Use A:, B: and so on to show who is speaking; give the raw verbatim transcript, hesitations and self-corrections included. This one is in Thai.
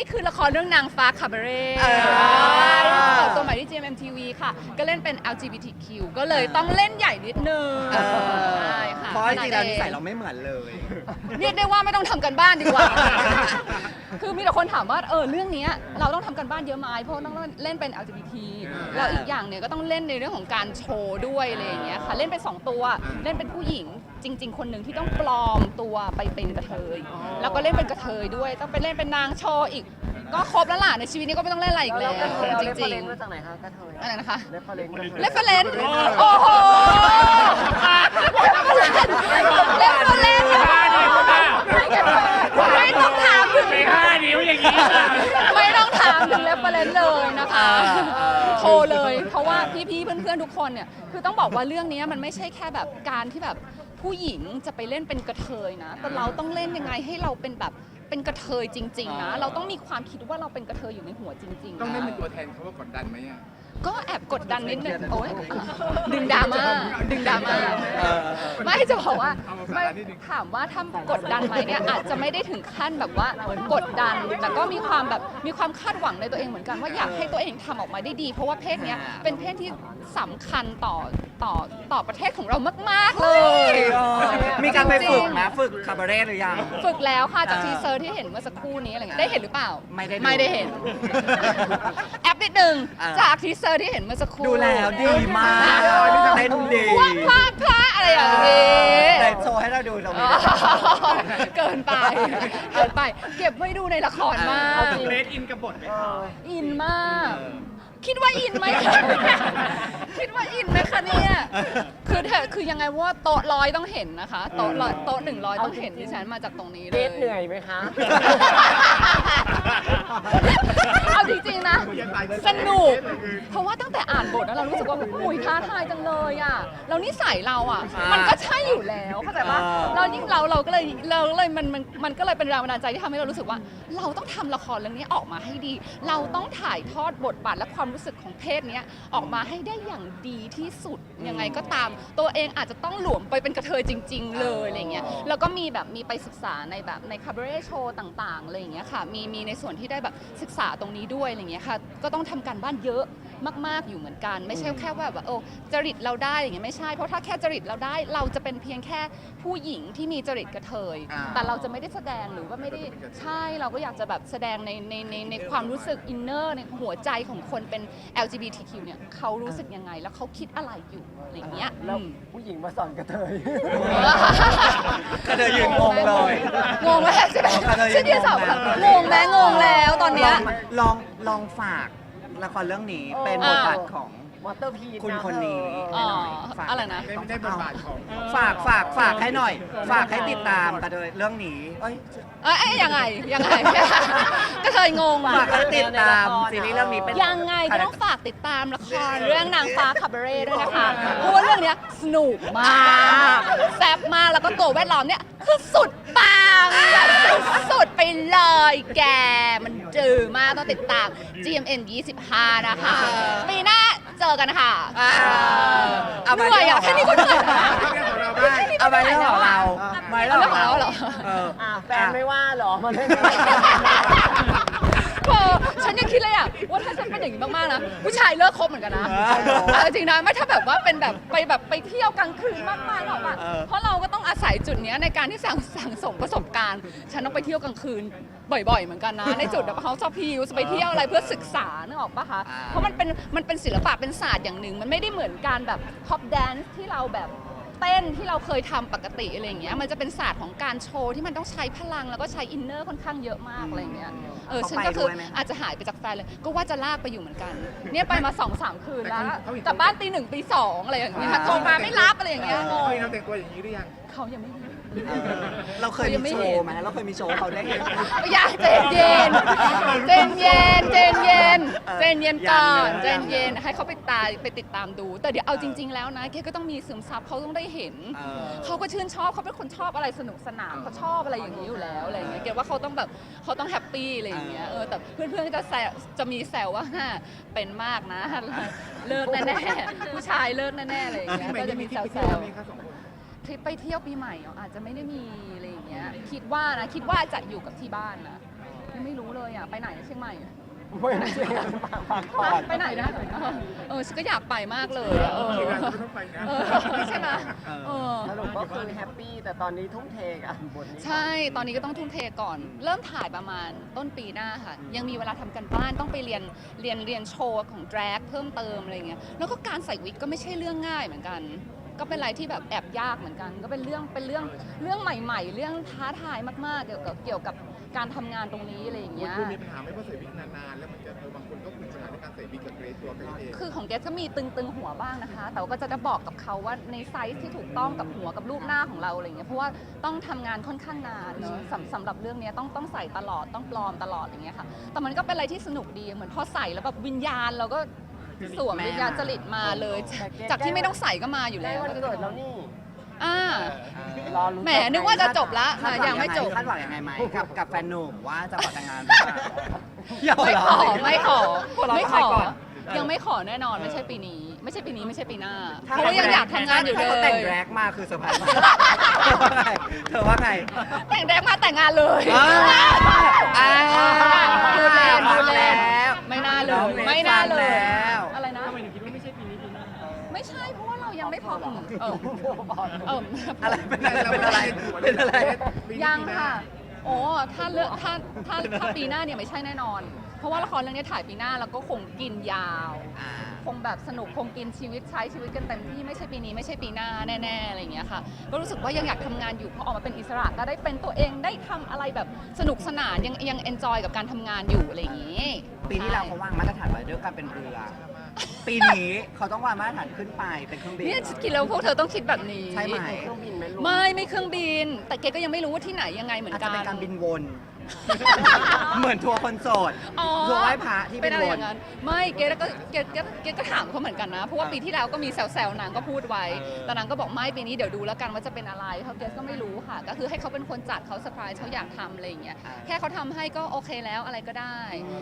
A: คือละครเรื่องนางฟ้าคาบาเร่ตัวใหม่ที่ จี เอ็ม เอ็ม ที วี ค่ะก็เล่นเป็น แอล จี บี ที คิว ก็เลยต้องเล่นใหญ่นิดนึงใช่ค่ะ
B: เพราะจริงๆแล้วนิสัยเราไม่เหมือนเลย
A: เรียกได้ว่าไม่ต้องทำกันบ้านดีกว่า คือมีแต่คนถามว่าเออเรื่องนี้เราต้องทำกันบ้านเยอะไหมเพราะต้องเล่นเป็น แอล จี บี ที แล้วอีกอย่างเนี่ยก็ต้องเล่นในเรื่องของการโชว์ด้วยอะไรอย่างเงี้ยค่ะเล่นเป็นสองตัวเล่นเป็นผู้หญิงจริง ๆ คนหนึ่งที่ต้องปลอมตัวไปเป็นกระเทยแล้วก็เล่นเป็นกระเทยด้วยต้องไปเล่นเป็นนางโชว์อีกก็ครบแล้วล่ะในชีวิตนี้ก็ไม่ต้องเล่นอะไรอีกแล้วจริงๆ
C: มาจากไหนคะกระเทย
A: อะไรนะคะ
C: เรฟเฟอเรนซ์
A: เรฟเฟอเรนซ์โอ้โหเรฟเฟอเรนซ์ไม่ต้องถามถึง
D: ไม่ห้านิ้วอย่างนี้
A: ไม่ต้องถามถึงเรฟเฟอเรนซ์เลยนะคะโทรเลยเพราะว่าพี่ๆเพื่อนๆทุกคนเนี่ยคือต้องบอกว่าเรื่องนี้มันไม่ใช่แค่แบบการที่แบบผู้หญิงจะไปเล่นเป็นกระเทยนะแต่เราต้องเล่นยังไงให้เราเป็นแบบเป็นกระเทยจริงๆนะเราต้องมีความคิดว่าเราเป็นกระเทยอยู่ในหัวจริงๆ
D: ต้องเล่นเป็นตัวแทนเขาว่ากดดันไหมอ่ะ
A: ก็แอบกดดันนิดนึงโอ้ยดึงดราม่าดึงดราม่าไม่จะบอกว่าไม่ถามว่าถ้ากดดันไหมเนี่ยอาจจะไม่ได้ถึงขั้นแบบว่ากดดันแต่ก็มีความแบบมีความคาดหวังในตัวเองเหมือนกันว่าอยากให้ตัวเองทำออกมาได้ดี เพราะว่าเพศเนี้ยเป็นเพศที่สำคัญต่อต่อต่อประเทศของเรามากๆเลย
B: มีการไปฝึกนะฝึกคาบาเร่หรือยัง
A: ฝึกแล้วค่ะจากทีเซอร์ที่เห็นเมื่อสักครู่นี้อะไรเงี้ยได้เห็นหรือเปล่า
B: ไม่ได้ดู
A: ไม่ได้เห็น แอปนิดนึง
B: อ่า
A: จากทีเซอร์ที่เห็นเมื่อสักครู่
B: ดูแล้วดีมากเต้นดี
A: ว่าพลาดพลาดอะไรอย่างนี้
B: แต่โชว์ให้เราดูตรงนี้
A: เกินไปเกินไป เก็บไว้ดูในละครมาก
D: เรดอินกับบทไหมคะ
A: อินมาก คิดว่าอินไหม คิดว่าอินไหมคะเนี่ยคือเธอคือยังไงว่าโต๊ะร้อยต้องเห็นนะคะโต๊ะร้อยโต๊ะหนึ่งร้อยต้องเห็นดิฉันมาจากตรงนี้เล
C: เบ
A: ย
C: สเหนื่อยไหมคะ
A: เอาจริงๆนะสนุกเพราะว่าตั้งแต่อ่านบทแล้วเรารู้สึกว่าอุ้ยท้าทายจังเลยอ่ะแล้วนิสัยเราอ่ะ
B: อ่ามั
A: มันก็ใช่อยู่แล้วเข้าใจปะ
B: อ่า
A: เรายิ่งเราเราก็เลยเราเลยมันมันมันก็เลยเป็นแรงบันดาลใจที่ทำให้เรารู้สึกว่า เราต้องทำละครเรื่องนี้ออกมาให้ดี เราต้องถ่ายทอดบทบาทและความรู้สึกของเพศเนี้ยออกมาให้ได้อย่างดีที่สุดยังไงก็ตาม ตัวเองอาจจะต้องหลวมไปเป็นกระเทยจริง ๆ เลยอะไรเงี้ยแล้วก็มีแบบมีไปศึกษาในแบบในคาบาเร่โชว์ต่างๆอะไรอย่างเงี้ยค่ะมีมีในส่วนที่ได้แบบศึกษาตรงนี้ด้วยอะไรเงี้ยค่ะก็ต้องทำการบ้านเยอะมากๆอยู่เหมือนกัน ไม่ใช่แค่ว่าแบบโอ้จริตเราได้อย่างเงี้ยไม่ใช่เพราะถ้าแค่จริตเราได้เราจะเป็นเพียงแค่ผู้หญิงที่มีจริตกระเทย
B: อ่า
A: แต่เราจะไม่ได้แสดงหรือว่าไม่ได้ใช่เราก็อยากจะแบบแสดงในในในในความรู้สึกอินเนอร์ในหัวใจของคนเป็น แอล จี บี ที คิว เนี่ยเขารู้สึกยังไงแล้วเขาคิดอะไรอยู่อะไรอย่างเงี้ย
C: แล้ว
A: อืม
C: ผู้หญิงมาสอนกระเทย
B: ก็เธอยืนงงเลย
A: งงไหมใช่ไหม
B: ก็เธอยื
A: ชื่อน เดียวสาว
B: งงแล้ว
A: งงไหมงงแล้วตอนเนี้ย
B: ลองลองฝากละครเรื่องนี้เป็นบทบาทของ
C: มอเตอร์พี
B: คุณคนนี้
A: อ๋อ
B: ฝาก
A: อะไรนะ
D: ไม่ได้บทบาทของ
B: ฝากฝากฝากให้หน่อย ฝากให้ติดตามกันเลยเรื่องนี้เอ้ย
A: เอ้ยเอ้ยยังไงยังไง ก็เคยงง
B: ฝากให้ติดตามซีรีส์เรื่องนี้เป็น
A: ยังไงก็ต้องฝากติดตามละครเรื่องนางฟ้าคาบาเร่ด้วยนะคะเพราะว่าเรื่องเนี้ยสนุกมากแซ่บมากแล้วก็ตัวแวดล้อมเนี่ยคือสุดปังแบบสุดๆไปเลยแกมันจืดมากต้องติดตาม จี เอ็ม เอ็ม ยี่สิบห้านะคะปีหน้าเจอกันค่ะ
B: อ่าเอา
A: เห
B: มา
A: นื่อยอ่ะแค่นี้ก็เหนื่อยนะ
B: เอามาเรื่องของเรามาเรื่องของเรา
A: เอาเรื่องของเราเหรอ
B: เออ
C: อ่ะแฟนไม่ว่าเหรอมันไม่
A: เออฉันยังคิดเลยอ่ะว่าถ้าฉันเป็นอย่างนี้มากๆนะผู้ชายเลิกคบเหมือนกันนะเอาจริงนะไม่ถ้าแบบว่าเป็นแบบไปแบบไปเที่ยวกลางคืนมากๆหรอกอ่ะเพราะเราก็ต้องอาศัยจุดเนี้ยในการที่สั่งสั่งสมประสบการณ์ ฉันต้องไปเที่ยวกลางคืนบ่อยๆเหมือนกันนะในจุดแบบเขาชอบพิวไปเที่ยวอะไรเพื่อศึกษานึกออกปะคะเพราะมันเป็นมันเป็นศิลปะเป็นศาสตร์อย่างหนึ่งมันไม่ได้เหมือนการแบบท็อปแดนซ์ที่เราแบบเต้นที่เราเคยทำปกติอะไรอย่างเงี้ยมันจะเป็นศาสตร์ของการโชว์ที่มันต้องใช้พลังแล้วก็ใช้อินเนอร์ค่อนข้างเยอะมากอะไรอย่างเงี้ยเออฉันก็คืออาจจะหายไปจากแฟนเลยก็ว่าจะลากไปอยู่เหมือนกันเนี่ยไปมาสองสามคืนแล้วกลับบ้านตีหนึ่งตีสองอะไรอย่างเงี้ยโทรมาไม่รับอะไรอย่างเงี้ยงง
D: เคยเราแต่งตัวอย่างนี้หรือยัง
A: เขายังไม่มี
B: เออเราเคยมีโชว์ไหมเราเคยมีโชว์เขาได้เห็น
A: อย่าเจนเย็นเจนเย็นเจนเย็นเจนเย็นก่อนเจนเย็นให้เขาไปตายไปติดตามดู แต่เดี๋ยวเอาจริง ๆ แล้วนะแกก็ต้องมีซึมซับเขาต้องได้เห็น
B: เออ
A: เขาก็ชื่นชอบเขาเป็นคนชอบอะไรสนุกสนานเขาชอบอะไรอย่างนี้อยู่แล้วอะไรอย่างเงี้ยเกดว่าเขาต้องแบบเขาต้องแฮปปี้อะไรอย่างเงี้ยเออแต่เพื่อนๆก็จะแซวจะมีแซวว่าเป็นมากนะเลิกแน่ๆผู้ชายเลิกแน่ๆอะไรอย่างเงี้ยก็จะมีแซวๆทริปไปเที่ยวปีใหม่อาจจะไม่ได้มีอะไรอย่างเงี้ยคิดว่านะคิดว่าจะอยู่กับที่บ้านนะยังไม่รู้เลยอ่ะไปไหนเชียงใหม่
C: ไม่ใช่พักผ่อน
A: ไปไหนนะเออฉันก็อยากไปมากเลยอะเออ
D: ทีมงานก็ต้องไปนะ
A: เออใช่ไหมเออ
C: สรุปก็คือแฮปปี้แต่ตอนนี้ทุ่มเทกับบทนี้
A: ใช่ ตอนนี้ก็ต้องทุ่มเทก่อน เริ่มถ่ายประมาณต้นปีหน้าค่ะ ยังมีเวลาทำกันบ้านต้องไปเรียนเรียนเรียนโชว์ของแดรกเพิ่มเติมอะไรเงี้ยแล้วก็การใส่วิกก็ไม่ใช่เรื่องง่ายเหมือนกัน ก็เป็นอะไรที่แบบแอบยากเหมือนกัน ก็เป็นเรื่องเป็นเรื่องเรื่องใหม่ๆ เรื่องท้าทายมากๆ เกี่ยวกับเกี่ยวกับการทำงานตรงนี้อะไรอย่าง
D: คุณ
A: เงี้ย
D: คุณมีปัญหาไหม่เพราะใส่วิกนานๆ แล้วมันจะเออบางคนก็มีปัญหาในการใส่วิกกับเกรซตัวเกรซเอง
A: คือของเกสก็มีตึงๆหัวบ้างนะคะ แต่ว่าก็จะได้บอกกับเขาว่าในไซส์ที่ถูกต้องกับหัวกับรูปหน้าของเราอะไรเงี้ย เพราะว่าต้องทำงานค่อนข้างนานเนอะสำสำหรับเรื่องเนี้ยต้องต้องใส่ตลอดต้องปลอมตลอดอย่างเงี้ยค่ะ แต่มันก็เป็นอะไรที่สนุกดี เหมือนพอใส่แล้วแบบวิญญาณเราก็สวมวิญญาณจริตมาเลย จากที่ไม่ต้องใส่ก็มาอยู่
C: ใกล้
A: แล้ว
C: วันเกิดแล้วนี่
A: อ่า
C: รอลุ้น
A: แหมนึกว่าจะจบละ
B: คาดหวั
A: ยังไม่จบ
B: คาดหวังยังไงไหมกับกับแฟนหนุ่มว่าจะขอแต่งงานหรือเปล่าอย่าหัว
A: ไม่
B: เราะ
A: ขอ
B: สิ
A: ไม่ขอ
B: หัวเราะ
A: ไม่ข
B: ทำ
A: อ
B: ก่อน
A: ยังไม่ขอแน่นอนไม่ใช่ปีนี้ ไม่ใช่ปีนี้ไม่ใช่ปีหน้า
B: ถ้
A: เพราะว่ายังอยากทำงานอยู่เล
B: ถ้เขาแต่ง
A: ย
B: แร็กมาคือเซอร์ไพรส์เธอว่าไง
A: แต่งแดงมาแต่งงานเลย
B: อ้าวอ้าว
A: พูดเล่นพูดเล่น
B: แล้ว
A: ไม่น่าเล
B: น้อย งเล็ก
A: ไม่น่าเลย
B: ฟังแล้ว
A: อะไรนะทำไมถึงคิดว่าไม่ใช่ปีนี้ปีหน้าไม่ใช่เพราะว่าเรายังไม่พร้อมเออเออ
B: อะไรเป็นอะไรเป็นอะไรเป็นอะไร
A: ยังค่ะโอ้ถ้าเลือกถ้าถ้าถ้าปีหน้าเนี่ยไม่ใช่แน่นอน เพราะว่าละครเรื่องนี้ถ่ายปีหน้าแล้วก็คงกินยาว
B: อ่า
A: คงแบบสนุกคงกินชีวิตใช้ชีวิตกันเต็มที่ไม่ใช่ปีนี้ไม่ใช่ปีหน้าแน่ๆอะไรอย่างเงี้ยค่ะก็รู้สึกว่ายังอยากทำงานอยู่พอออกมาเป็นอิสระก็ได้เป็นตัวเองได้ทำอะไรแบบสนุกสนานยังยังเอนจอยกับการทำงานอยู่อะไรอย่างงี้
B: ปีที่แล้วเขาวางมาตรฐานไว้ด้วยการเป็นเรือ ปีนี้เขาต้องวางมาตรฐานขึ้นไปเป็นเครื่องบิน
A: เนี่ยคิดแล้วพวกเธอต้องคิดแบบนี้
B: ใช่ไหม
C: เครื่องบินไหมลูก
A: ไม่ไม่เครื่องบิน แต่เกก็ยังไม่รู้ว่าที่ไหนยังไงเหมือน
B: อาจ
A: กั
B: จะ
A: น
B: เป็นการบินวน เหมือนทัวร์คนโสด
A: อ๋อ
B: ทัวร์ไหว้พระที่
A: เป็
B: เป็น น
A: อะไร
B: ว
A: อน ย่างนั้นไม่เกก็เกเกเกก็ถามเขาเหมือนกันนะ เพราะว่าปีที่แล้วก็มีแซวๆนางก็พูดไว้ แต่นางก็บอกไม่ปีนี้เดี๋ยวดูแล้วกันว่าจะเป็นอะไรเขาเกก็ไม่รู้ค่ะ ก็คือให้เขาเป็นคนจัดเขาเซอร์ไพรส์เขาอยากทำอะไรอย่างเงี้ยแค่เขาทำให้ก็โอเคแล้วอะไรก็ได้